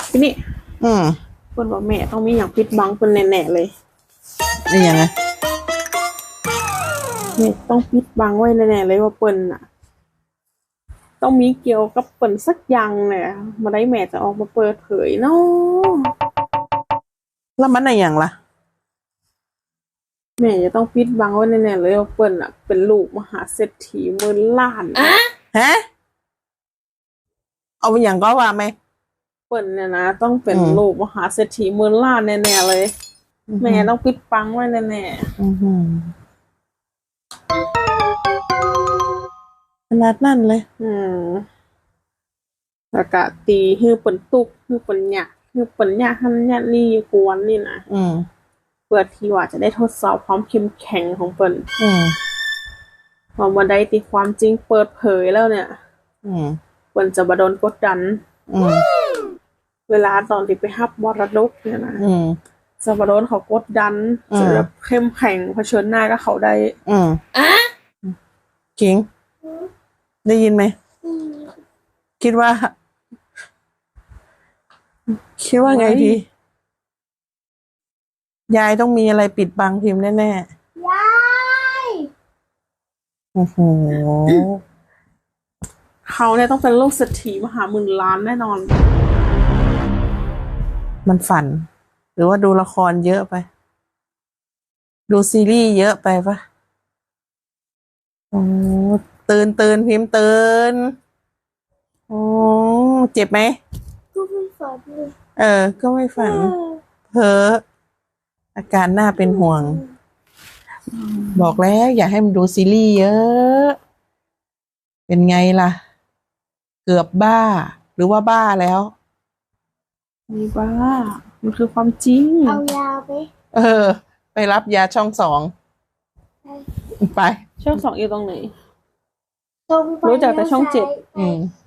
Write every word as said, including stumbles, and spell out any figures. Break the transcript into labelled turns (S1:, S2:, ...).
S1: ทีนี้
S2: อืม
S1: เปิ้นว่าแม่ต้องมีอย่างปิดบังเปิ้นแน่ๆเลย
S2: นี่ยังไง
S1: แม่ต้องปิดบังไว้แน่ๆเลยว่าเปิ้นน่ะต้องมีเกี่ยวกับเปิ้นสักอย่างเนี่ยมาได้แม่จะออกมาเปิดเผยเนาะ
S2: แล้วมันอะไรอย่างล่ะ
S1: แม่จะต้องปิดบังไว้แน่ๆเลยว่าเปิ้นน่ะเป็นลูกมหาเศรษฐีหมื่นล้าน
S2: ฮะเอาอย่างก็ว่าไหม
S1: เปิ้นเนี่ยนะต้องเป็นลูกมหาเศรษฐีหมื่นล้านแน่ๆเลยแม่ต้องปิดบังไว้แน่
S2: ๆขนาดนั่นเลย
S1: อืมแล้วก็ตีฮือเปิ้นตุกฮือเปิ้นหยะฮือเปิ้นหยะหั่นหยะนี่กวนนี่นะ
S2: อืม
S1: เพื่อที่ว่าจะได้ทดสอบความเข้มแข็งของเปิ้น
S2: อืม
S1: พอมาได้ตีความจริงเปิดเผยแล้วเนี่ย
S2: อืม
S1: เปิ้นจะบ่โดนกดดัน
S2: อืม
S1: เวลาตอนที่ไปรับมรดกเนี่ยนะ
S2: อืม
S1: จะบ่โดนเขากดดันจะแบบเข้มแข็งเผชิญหน้ากับเขาได้
S2: อืมอ่ะคิงได้ยินไหมคิดว่าคิดว่าไงดียายต้องมีอะไรปิดบังพิมพ์แน่ๆยายโอ้โห
S1: เขาเนี่ยต้องเป็นลูกเศรษฐีมหาหมื่นล้านแน่นอน
S2: มันฝันหรือว่าดูละครเยอะไปดูซีรีส์เยอะไปปะโอ้ตื่นตื่นพิมพ์ตื่นโอ้เจ็บไหม
S3: ก็ไม่ฝันเลย
S2: เออก็ไม่ฝันเพ้ออาการน่าเป็นห่วงบอกแล้วอย่าให้มันดูซีรีส์เยอะเป็นไงล่ะเกือบบ้าหรือว่าบ้าแล้ว
S1: ไม่บ้ามันคือความจริง
S3: เอายาไป
S2: เออไปรับยาช่องสองไป
S1: ช่องสองอยู่ตรงไหน
S3: ตรงไป
S1: รู้จักแต่ช่องเจ็ด
S2: อืม